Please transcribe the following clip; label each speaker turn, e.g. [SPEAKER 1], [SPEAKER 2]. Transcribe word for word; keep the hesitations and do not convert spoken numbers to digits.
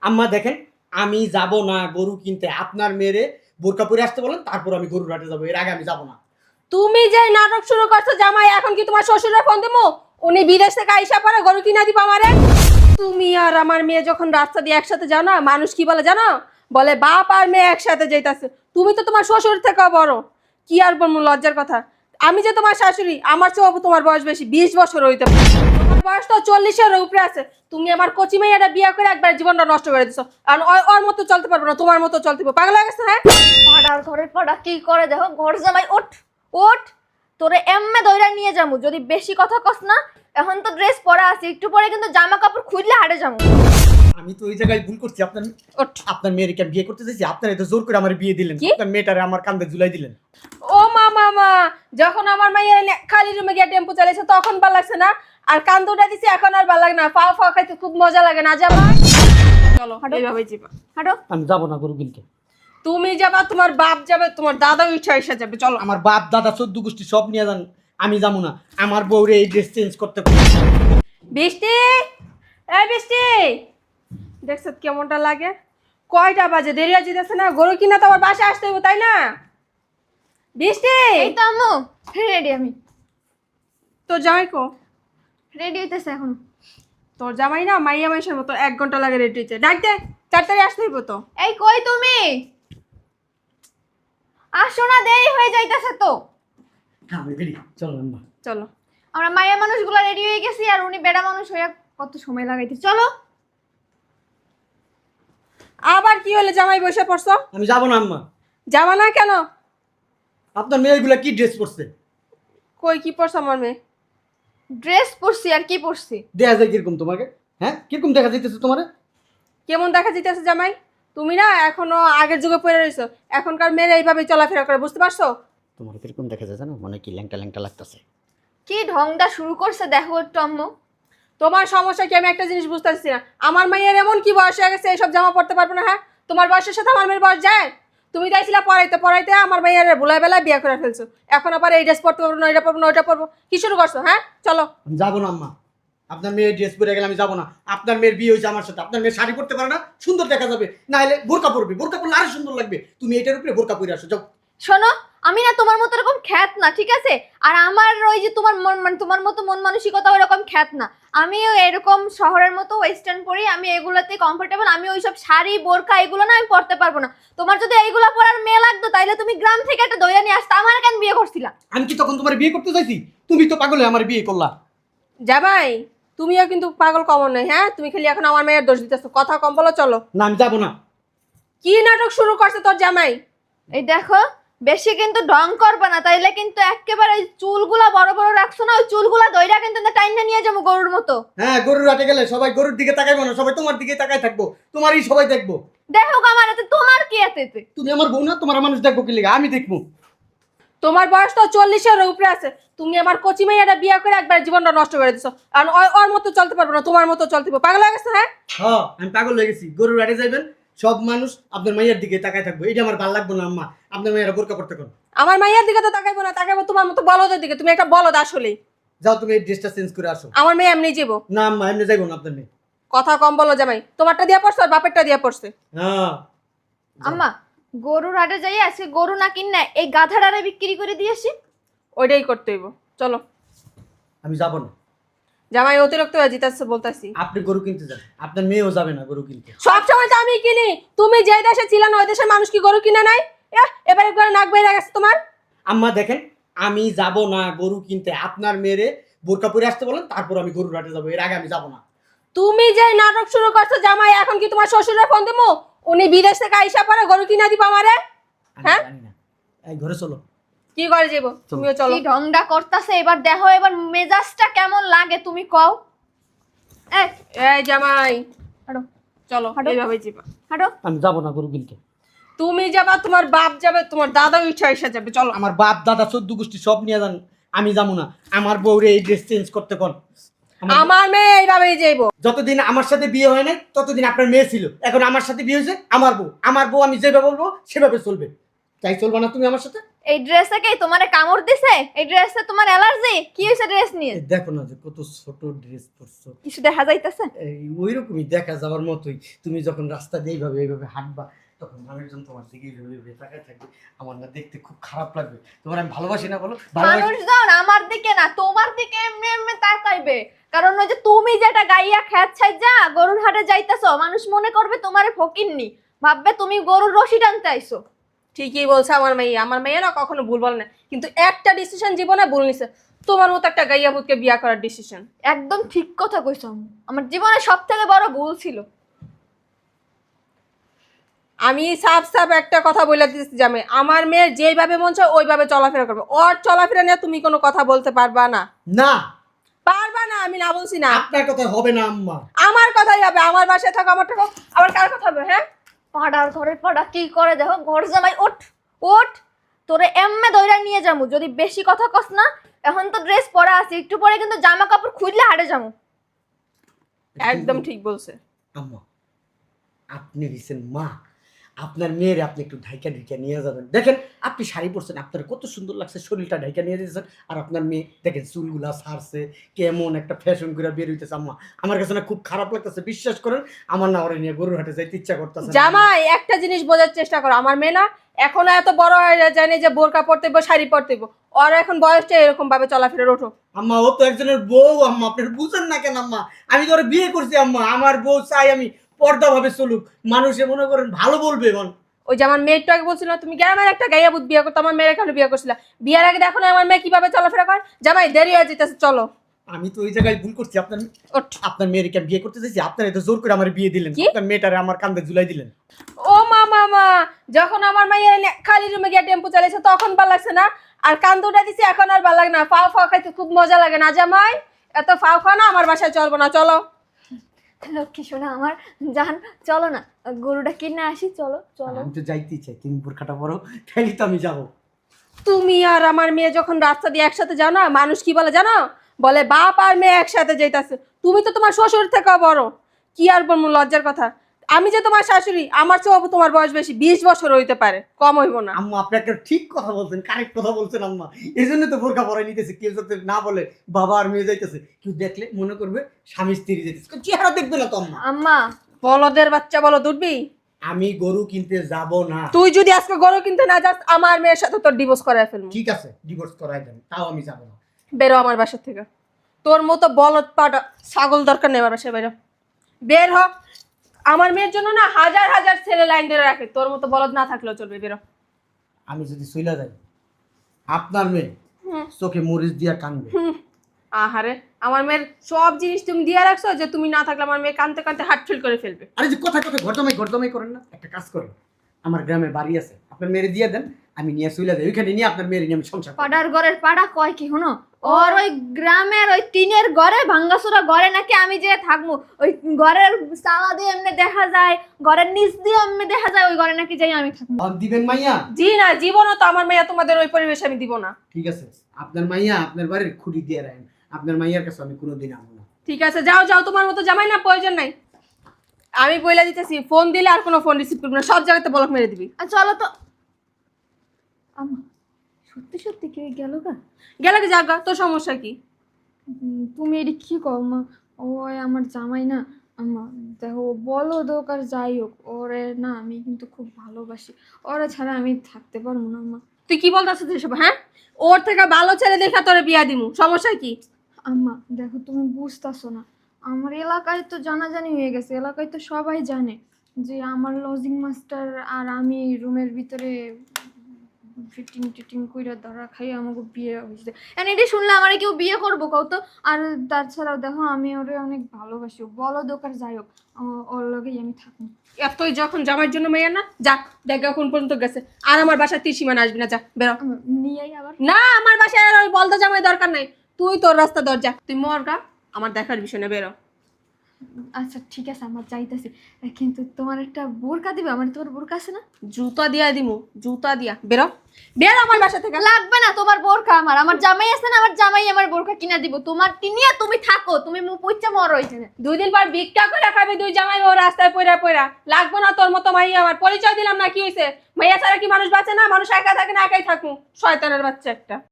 [SPEAKER 1] আম্মা দেখেন, আমি যাব না গরু কিনতে। আপনার মেয়েরে বোরকা পরে আসতে বলেন, তারপর আমি গরুর হাটে যাবো। এর আগে আমি যাব না।
[SPEAKER 2] তুমি যে নাটক শুরু করছো জামাই, এখন কি তোমার শ্বশুরের ফোন দেবো? উনি বিদেশ থেকে আইসা পরে গরু কিনা দিব আমারে। তুমি আর আমার মেয়ে যখন রাস্তা দিয়ে একসাথে যাও না, মানুষ কি বলে জানো? বলে বাপ আর মেয়ে একসাথে যাইতাছে। তুমি তো তোমার শ্বশুর থেকেও বড়। কি আর বলবো, লজ্জার কথা। আমি যে তোমার শাশুড়ি, আমার চেয়েও তোমার বয়স বেশি, বিশ বছর হইতে পারে। তোমার বয়স তো চল্লিশের উপরে আছে। তুমি আমার কচি মেয়েটা বিয়ে করে একবার জীবনটা নষ্ট করে দিছো। আর ওর- ওর মতো চলতে পারবো না, তোমার মতো চলতে পারবো। পাগল হয়ে গেছে হ্যাঁ?
[SPEAKER 3] পাড়ার ঘরের পাড়া কি করে দেখো, ঘর জামাই ওঠ ওঠ, তোরে এমনে দইরা নিয়ে যামু যদি বেশি কথা কস না। এখন তো ড্রেস পরা আছে, একটু পরে কিন্তু জামা কাপড় খুললে হাটে যামু।
[SPEAKER 1] আমি তো ওই জায়গায় ভুল করছি। আপনার
[SPEAKER 2] ওঠ।
[SPEAKER 1] আপনার মেয়েকে আমি বিয়ে করতে চাইছি, আপনারা তো জোর করে আমার বিয়ে দিলেন।
[SPEAKER 2] কি?
[SPEAKER 1] আপনার মেয়েটারে আমার কান্দে ঝুলাই দিলেন।
[SPEAKER 2] ও মা মামা, যখন আমার মাইয়া এনে খালি রুমে গিয়ে টেম্পো চালিয়েছে তখন ভাল লাগছে না, আর কান্দুটা দিছি এখন আর ভাল লাগে না। পাও ফাও খাইতে খুব মজা লাগে না জামাই? চলো এইভাবে যাবা।
[SPEAKER 3] হাঁটো।
[SPEAKER 1] আমি যাব না গরু কিনতে।
[SPEAKER 2] তুমি যাবা, তোমার বাপ যাবে, তোমার দাদাও ইচ্ছা এসে যাবে। চলো।
[SPEAKER 1] আমার বাপ দাদা চোদ্দ গোষ্ঠী সব নিয়ে যান, আমি যাবো না। আমার বউরে এই ড্রেস চেঞ্জ করতে হবে।
[SPEAKER 2] বৃষ্টি, এই বৃষ্টি, দেখছ কেমনটা লাগে? কয়টা বাজে, দেরি হয়ে যেতেছে না? গরু কিনা তো আবার বাসায় আসতে হইব তাই না? বৃষ্টি,
[SPEAKER 3] এই তো আম্মু, রেডি আমি।
[SPEAKER 2] তোর জামাই কো?
[SPEAKER 3] রেডি হইতেছে এখন।
[SPEAKER 2] তোর জামাই না মাইয়া মাইশের মতো এক ঘন্টা লাগে রেডি হইতে। ডাক দে, তাড়াতাড়ি আসতে হইব তো।
[SPEAKER 3] এই কই তুমি? আসো না, দেরি হয়ে যাইতেছে তো।
[SPEAKER 1] হ্যাঁ আমি রেডি, চলো আম্মা।
[SPEAKER 2] চলো।
[SPEAKER 3] আমরা মায়া মানুষগুলো রেডি হয়ে গেছি, আর উনি বেড়া মানুষ হইয়া কত সময় লাগাইতে। চলো।
[SPEAKER 2] আবার কি হলে জামাই বসে পড়ছো?
[SPEAKER 1] আমি যাব না আম্মা।
[SPEAKER 2] যাবা না কেন?
[SPEAKER 1] আপনার মেয়েগুলা কি ড্রেস পরছে?
[SPEAKER 2] কই কি পড়ছো আমার মেয়ে?
[SPEAKER 3] ড্রেস পরছি আর কি পরছি?
[SPEAKER 1] দেখা যায় কিরকম তোমাকে? হ্যাঁ, কিরকম দেখা যাইতেছে তোমার?
[SPEAKER 2] কেমন দেখা যাইতেছে জামাই? তুমি না এখনো আগের যুগে পড়ে রইছো। এখনকার মেয়েরা এইভাবে চলাফেরা করে, বুঝতে পারছো?
[SPEAKER 1] তোমার কিরকম দেখা যায় জানো? মনে কি ল্যাংটা ল্যাংটা লাগতেছে।
[SPEAKER 3] কি ঢংটা শুরু করছে দেখো একটু আম্মু।
[SPEAKER 2] তোমার সমস্যা কি আমি একটা জিনিস বুঝতেছি না। আমার মেয়ের এমন কি বয়স হয়ে গেছে এইসব জামা পড়তে পারবো না? হ্যাঁ, তোমার বয়সের সাথে আমার মেয়ের বয়স যায়? তুমি চাইছিলা পড়াইতে পড়াইতে আমার মেয়ের ভুলাই বেলায় বিয়ে করে ফেলছো। এখন আবার এই ড্রেস পড়তে পারবো না, এটা পড়বো না, ওইটা পড়বো, কি শুরু করছো? হ্যাঁ চলো।
[SPEAKER 1] আমি যাবো না আম্মা। আপনার মেয়ে ড্রেস পরে গেলে আমি যাবো না। আপনার মেয়ের বিয়ে হয়েছে আমার সাথে। আপনার মেয়ে শাড়ি পরতে পারে না, সুন্দর দেখা যাবে। না হলে বোরকা পরবে, বোরকা পরলে আরো সুন্দর লাগবে। তুমি এটার উপরে বোরকা পরে আসো, যাও।
[SPEAKER 3] শোনো, আমি না তোমার মতো এরকম খ্যাত না, ঠিক আছে? আর আমার ওই যে তোমার মন মানে তোমার মতো মন মানসিকতা ওরকম খ্যাত না। আমিও এরকম শহরের মতো ওয়েস্টার্ন পরি, আমি এগুলাতে কমফোর্টেবল। আমি ওইসব শাড়ি বোরকা এগুলো না আমি পরতে পারবো না। তোমার যদি এইগুলা পরার মেয়ে লাগতো তাইলে তুমি গ্রাম থেকে একটা দইয়া নিয়ে আসতে, আমার কেন বিয়ে করছিলা?
[SPEAKER 1] আমি কি তখন তোমার বিয়ে করতে চাইছি? তুমি তো পাগলে আমার বিয়ে করলা।
[SPEAKER 2] জামাই, তুমিও কিন্তু পাগল কমন নয়। হ্যাঁ, তুমি খালি এখন আমার মেয়ের দোষ দিতেছো। কথা কম বলো, চলো।
[SPEAKER 1] না আমি যাবো না।
[SPEAKER 2] কি নাটক শুরু করছে তোর জামাই?
[SPEAKER 3] এই দেখো, বেশি কিন্তু ঢং করবে না, তাইলে কিন্তু একেবারে ওই চুলগুলা বড় বড় রাখছো না, ওই চুলগুলা দইরা কিন্তু টাইনা নিয়ে যাবো গরুর মতো।
[SPEAKER 1] হ্যাঁ, গরুর হাটে গেলে সবাই গরুর দিকে তাকাইবো না, সবাই তোমার দিকে তাকাই থাকবো। তোমারই সবাই দেখবো।
[SPEAKER 3] দেখো আমার এতে তোমার কি এতে?
[SPEAKER 1] তুমি আমার বউ না? তোমার মানুষ দেখবো কি লিগা? আমি দেখবো।
[SPEAKER 2] তোমার বয়স তো চল্লিশের উপরে আছে। তুমি আমার কচি মেয়েটা বিয়ে করে একবার জীবনটা নষ্ট করে দিছো। আর ওর- ওর মতো চলতে পারবো না, তোমার মতো চলতে পারবো। পাগল হয়ে গেছে হ্যাঁ?
[SPEAKER 1] হ্যাঁ, আমি পাগল হয়ে গেছি। গরুর হাটে যাইবেন, সব মানুষ আপনার মাইয়ার দিকে তাকায় থাকবো। এটা আমার ভালো লাগবে না আম্মা। আপনার মাইয়ারা বোরকা পড়তে কোন?
[SPEAKER 2] আমার মাইয়ার দিকে তো তাকাইবো না, তাকাইবো তোমার মতো বলদের দিকে। তুমি একটা বলদ আসলেই।
[SPEAKER 1] যাও, তুমি এই ড্রেসটা চেঞ্জ করে আসো।
[SPEAKER 2] আমার মেয়ে এমনি যাবো।
[SPEAKER 1] না আম্মা, এমনি যাইবো না আপনার মেয়ে।
[SPEAKER 2] কথা কম বলো জামাই। তোমারটা দিয়া পড়ছে আর বাপেরটা দিয়া পড়ছে।
[SPEAKER 1] হ্যাঁ।
[SPEAKER 3] আম্মা, গরুর হাটে যাই আজকে গরু না কিন না এই গাধাটারে বিক্রি করে দিয়েছি।
[SPEAKER 2] ওইটাই করতে হইব, চলো।
[SPEAKER 1] আমি যাবো না।
[SPEAKER 2] জামাই অতিরিক্ত হয়ে জিতাচ্ছে বলতাছি।
[SPEAKER 1] আপনি গরু কিনতে যান, আপনার মেয়েও যাবে না গরু কিনতে।
[SPEAKER 2] সব সময় তো আমি কিনি। তুমি যে দেশে ছিল না ওই দেশের মানুষ কি গরু কিনে নাই? এহ, এবার একবার নাক বেরিয়ে গেছে তোমার।
[SPEAKER 1] আম্মা দেখেন, আমি যাব না গরু কিনতে। আপনার মেয়েরে বোরকা পরে আসতে বলেন, তারপর আমি গরুর হাটে যাবো। এর আগে আমি যাবো না।
[SPEAKER 2] তুমি যে নাটক শুরু করছো জামাই, এখন কি তোমার শ্বশুরের ফোন দেবো? উনি বিদেশ থেকে আইসা পরে গরু কিনা দিব আমারে।
[SPEAKER 1] আমি
[SPEAKER 2] হ্যাঁ?
[SPEAKER 1] জানি না। এই ঘরে চলো।
[SPEAKER 2] কি করে যাবো? তুমিও চলো।
[SPEAKER 3] কি ঢংটা করতাছে এবার দেখো, এবার মেজাজটা কেমন লাগে তুমি কও। এই
[SPEAKER 2] এই জামাই,
[SPEAKER 3] হাঁটো
[SPEAKER 2] চলো
[SPEAKER 3] হাঁটো।
[SPEAKER 2] এইভাবে যাবা।
[SPEAKER 3] হাঁটো।
[SPEAKER 1] আমি যাবো না গরু কিনতে।
[SPEAKER 2] তুমি যাবা, তোমার বাপ যাবে, তোমার দাদাও ইচ্ছা এসে যাবে। চলো।
[SPEAKER 1] আমার বাপ দাদা চোদ্দ গোষ্ঠী সব নিয়ে যান, আমি যাবো না। আমার বউরে এই ড্রেস চেঞ্জ করতে কোন? আমার-
[SPEAKER 2] আমার মেয়ে এইভাবেই যাইবো।
[SPEAKER 1] যতদিন আমার সাথে বিয়ে হয় নাই ততদিন আপনার মেয়ে ছিল। এখন আমার সাথে বিয়ে হয়েছে, আমার বউ। আমার বউ আমি যেভাবে বলবো সেভাবে চলবে। তাই চলবা না তুমি আমার সাথে?
[SPEAKER 3] এই ড্রেসে কি তোমারে কামড় দিছে? এই ড্রেসে তোমার অ্যালার্জি? কি হইছে ড্রেস নিয়ে?
[SPEAKER 1] এই দেখো না যে কত ছোট ড্রেস পরছো।
[SPEAKER 3] কিছু দেখা যাইতাছে?
[SPEAKER 1] এই ওইরকমই দেখা যাওয়ার মতোই। তুমি যখন রাস্তা দিয়ে এইভাবে এইভাবে হাঁটবা তখন মানুষজন তোমার দিকে এইভাবে এইভাবে তাকায় থাকবে। আমার না দেখতে খুব খারাপ লাগবে। তোমার আমি ভালোবাসি না বলো? ভালোবাসি।
[SPEAKER 3] মানুষজন আমার দিকে না তোমার দিকে এমনি এমনি তাকাইবে, কারণ ওই যে তুমি যেটা গাইয়া খ্যাত ছাইজা গরুর হাটে যাইতাছো, মানুষ মনে করবে তোমারে ফকিন্নি, ভাববে তুমি গরুর রশি টানতে আইছো।
[SPEAKER 2] ঠিকই বলছে আমার মেয়ে, আমার মেয়ে না কখনো ভুল বলে না, কিন্তু একটা ডিসিশন জীবনে ভুল নিছে, তোমার মতো একটা গাইয়া ভূতকে বিয়া করার ডিসিশন।
[SPEAKER 3] একদম ঠিক কথা কইছো আম্মু। আমার জীবনে সব থেকে বড় ভুল ছিল।
[SPEAKER 2] আমি সাফ সাফ একটা কথা বলে দিচ্ছি জামে, আমার মেয়ের যেইভাবে মন চায় ওইভাবে চলাফেরা করবে, ওর চলাফেরা নিয়ে তুমি কোনো কথা বলতে পারবা না।
[SPEAKER 1] না
[SPEAKER 2] পারবা না, আমি না বলছি না।
[SPEAKER 1] আপনার কথা হবে না আম্মা।
[SPEAKER 2] আমার কথাই হবে, আমার বাসায় থাকো, আমার থাকো, আবার কার কথা হবে? হ্যাঁ,
[SPEAKER 3] পাড়ার ঘরে পাড়া কি করে দেখো, ঘর জামাই ওঠ ওঠ, তোরে এমনে দইরা নিয়ে যামু যদি বেশি কথা কস না। এখন তো ড্রেস পরা আছে, একটু পরে কিন্তু জামা কাপড় খুললে হাটে যামু।
[SPEAKER 2] একদম ঠিক বলছে।
[SPEAKER 1] আম্মা আপনি হইছেন মা, আপনার মেয়ের আপনি একটু ঢাইকা ঢাইকা নিয়ে যাবেন। দেখেন আপনি শাড়ি পরছেন, আপনার কত সুন্দর লাগছে, শরীরটা ঢাইকা নিয়ে দিয়েছেন, আর আপনার মেয়ে দেখেন চুলগুলা ছাড়ছে, কেমন একটা ফ্যাশন করে বের হইতেছে। আম্মা আমার কাছে না খুব খারাপ লাগতেছে, বিশ্বাস করেন আমার না ওরে নিয়ে গরুর হাটে যাইতে ইচ্ছা করতেছে।
[SPEAKER 2] জামাই একটা জিনিস বোঝার চেষ্টা করো, আমার মেয়ে না এখনো এত বড় হয়ে যায়নি যে বোরকা পরতে হইব, শাড়ি পরতে হইব, ওর এখন বয়সটা এরকম ভাবে চলাফেরা। ওঠো
[SPEAKER 1] আম্মা, ও তো একজনের বউ আম্মা, আপনি বুঝেন না কেন আম্মা? আমি তো ওরে বিয়ে করছি আম্মা, আমার বউ চাই আমি পর্দা ভাবে চলুক, মানুষে মনে করেন ভালো বলবে। এখন
[SPEAKER 2] ওই যে আমার মেয়েটা আগে বলছিল তুমি গ্রামের একটা গাইয়া ভূত বিয়ে করতো, আমার মেয়ের এখানে বিয়ে করছিল, বিয়ের আগে দেখো না আমার মেয়ে কিভাবে চলাফেরা করে। জামাই দেরি হয়ে যেতেছে, চলো।
[SPEAKER 1] আমি তো ওই জায়গায় ভুল করছি, আপনার
[SPEAKER 2] ওঠ।
[SPEAKER 1] আপনার মেয়েকে বিয়ে করতে চাইছি, আপনারা তো জোর করে আমার বিয়ে দিলেন,
[SPEAKER 2] কি?
[SPEAKER 1] আপনার মেয়েটারে আমার কান্দে ঝুলাই দিলেন।
[SPEAKER 2] ও মা মামা, যখন আমার মাইয়া এনে খালি রুমে গিয়ে টেম্পো চালিয়েছে তখন ভাল লাগছে না, আর কান্দুটা দিছি এখন আর ভাল লাগে না। ফাও ফাও খাইতে খুব মজা লাগে না জামাই? এত ফাও খাও না, আমার বাসায় চলবো না, চলো।
[SPEAKER 3] লক্ষ্মী শোনা আমার জান, চলো না গরুটা কিনে আসি, চলো চলো।
[SPEAKER 1] আমি তো যাইতেই চাই, তুমি বোরখাটা পরো, তাইলে তো আমি যাবো।
[SPEAKER 2] তুমি আর আমার মেয়ে যখন রাস্তা দিয়ে একসাথে যাও না, মানুষ কি বলে জানো? বলে বাপ আর মেয়ে একসাথে যাইতাছে। তুমি তো তোমার শ্বশুর থেকেও বড়, কি আর বলবো লজ্জার কথা। আমি যে তোমার শাশুড়ি, আমার চেয়েও তোমার বয়স বেশি, বিশ বছর হইতে পারে, কম হইব না।
[SPEAKER 1] আম্মা আপনি একটা ঠিক কথা বলছেন, কারেক্ট কথা বলছেন আম্মা, এই জন্য তো বোরখা পরাই নিতেছে। কেউ যাতে না বলে বাবা আর মেয়ে যাইতেছে, কেউ দেখলে মনে করবে স্বামী স্ত্রী যাইতেছে, কেউ চেহারা দেখবে না তো আম্মা।
[SPEAKER 3] আম্মা
[SPEAKER 2] বলদের বাচ্চা বলো দুধবি।
[SPEAKER 1] আমি গরু কিনতে যাব না।
[SPEAKER 2] তুই যদি আজকে গরু কিনতে না যাস, আমার মেয়ের সাথে তোর ডিভোর্স করায় ফেলবো।
[SPEAKER 1] ঠিক আছে, ডিভোর্স করাই দেন, তাও আমি যাব না।
[SPEAKER 2] বেরো আমার বাসা থেকে, তোর মতো বলদ পাটা ছাগল দরকার নেই আমার বাসায়, বেরো বের হ। আমার মেয়ের জন্য না হাজার হাজার ছেলে লাইন ধরে রাখে, তোর মতো বলদ না থাকলেও চলবে, বেরো।
[SPEAKER 1] আমি যদি চইলা যাই, আপনার মেয়ে
[SPEAKER 2] হুম।
[SPEAKER 1] চোখে মরিচ দিয়া কানবে।
[SPEAKER 2] হুম, আহারে আমার মেয়ের সব জিনিস তুমি দিয়ে রাখছো যে তুমি না থাকলে আমার মেয়ে কানতে কানতে হার্ট ফিল করে ফেলবে।
[SPEAKER 1] আরে যে কথা কথা ঘরদমাই ঘরদমাই করেন না, একটা কাজ করেন, আমার গ্রামে বাড়ি আছে, আপনার মেয়েরে দিয়ে দেন, আমি নিয়ে চইলা যাই, ওইখানে নিয়ে আপনার মেয়েরে নিয়ে আমি সংসার করব।
[SPEAKER 3] পাড়ার ঘরের পাড়া কয় কি শুনো, ওর ওই গ্রামের ওই টিনের ঘরে ভাঙ্গাসুরা ঘরে নাকি আমি যে থাকবো, ওই ঘরের সালা দিয়ে এমনি দেখা যায়, ঘরের নিচ দিয়ে এমনি দেখা যায়, ওই ঘরে নাকি যাই আমি থাকবো।
[SPEAKER 1] আর দিবেন মাইয়া?
[SPEAKER 2] জি না, জীবনও তো আমার মেয়ে তোমাদের ওই পরিবেশে আমি দিব না।
[SPEAKER 1] ঠিক আছে, আপনার মাইয়া আপনার বাড়ির খুঁড়ি দিয়ে রাখেন, আপনার মাইয়ার কাছে আমি কোনোদিন আসবো না।
[SPEAKER 2] ঠিক আছে, যাও যাও, তোমার মতো জামাই না প্রয়োজন নাই। আমি বইলা দিতেছি, ফোন দিলে আর কোনো ফোন রিসিভ করবি না, সব জায়গাতে ব্লক মেরে দিবি।
[SPEAKER 3] আর চলো তো। আম্মা সত্যি সত্যি কি গেল গা?
[SPEAKER 2] গেলে কি জাগা, তোর সমস্যা কি?
[SPEAKER 3] উম, তুমি এটি কি কও মা? ওই আমার জামাই না আম্মা, দেখো বলো দোকার যাই হোক, ওরে না আমি কিন্তু খুব ভালোবাসি, ওরা ছাড়া আমি থাকতে পারবো না আম্মা।
[SPEAKER 2] তুই কি বলতেছিস এসব? হ্যাঁ, ওর থেকে ভালো ছেলে দেখা তোরে বিয়া দিমু, সমস্যা কি?
[SPEAKER 3] আম্মা দেখো তুমি বুঝতেছো না, আমার এলাকায় তো জানাজানি হয়ে গেছে, এলাকায় তো সবাই জানে যে আমার লজিং মাস্টার আর আমি রুমের ভিতরে ফিটিং টিটিং কইরা ধরা খাই আমাকে বিয়ে হয়েছে। এন্ড এটি শুনলে আমার কেউ বিয়ে করবো কও তো? আর তাছাড়াও দেখো আমি ওরে অনেক ভালোবাসি, বলো দোকার যাই হোক ও- ওর লগেই আমি থাকবো।
[SPEAKER 2] এতই যখন জামাইয়ের জন্য মেয়ে না, যা দেখা কোন পর্যন্ত গেছে, আর আমার বাসায় ত্রিসীমানা আসবি না, যা বেরো।
[SPEAKER 3] আম্মা, নিয়েই আবার
[SPEAKER 2] না, আমার বাসায় আর ওই বলদা জামাই দরকার নাই, তুই তোর রাস্তা দরজা, তুই মরগা, আমার দেখার বিষয় না, বেরো।
[SPEAKER 3] আচ্ছা ঠিক আছে আমার যাইতেছি, কিন্তু তোমার একটা বোরকা দিবে, আমার তোমার বোরকা আছে না?
[SPEAKER 2] জুতা দিয়া দিমু, জুতা দিয়া বেরো, বেরো আমার বাসা থেকে।
[SPEAKER 3] লাগবে না তোমার বোরকা, আমার আমার জামাই আছে না, আমার জামাই আমার বোরকা কিনা দিব। তোমার নিয়ে তুমি থাকো, তুমি মুখ পুচ্চা মরো এখানে।
[SPEAKER 2] দুই দিন পর ভিক্ষা করে খাবে দুই জামাই ও রাস্তায় পয়রা পয়রা। লাগবো না তোর মতো মাইয়া, আমার পরিচয় দিলাম না, কি হয়েছে? মাইয়া ছাড়া কি মানুষ বাঁচে না? মানুষ একা থাকে না, একাই থাকুক, শয়তানের বাচ্চা একটা।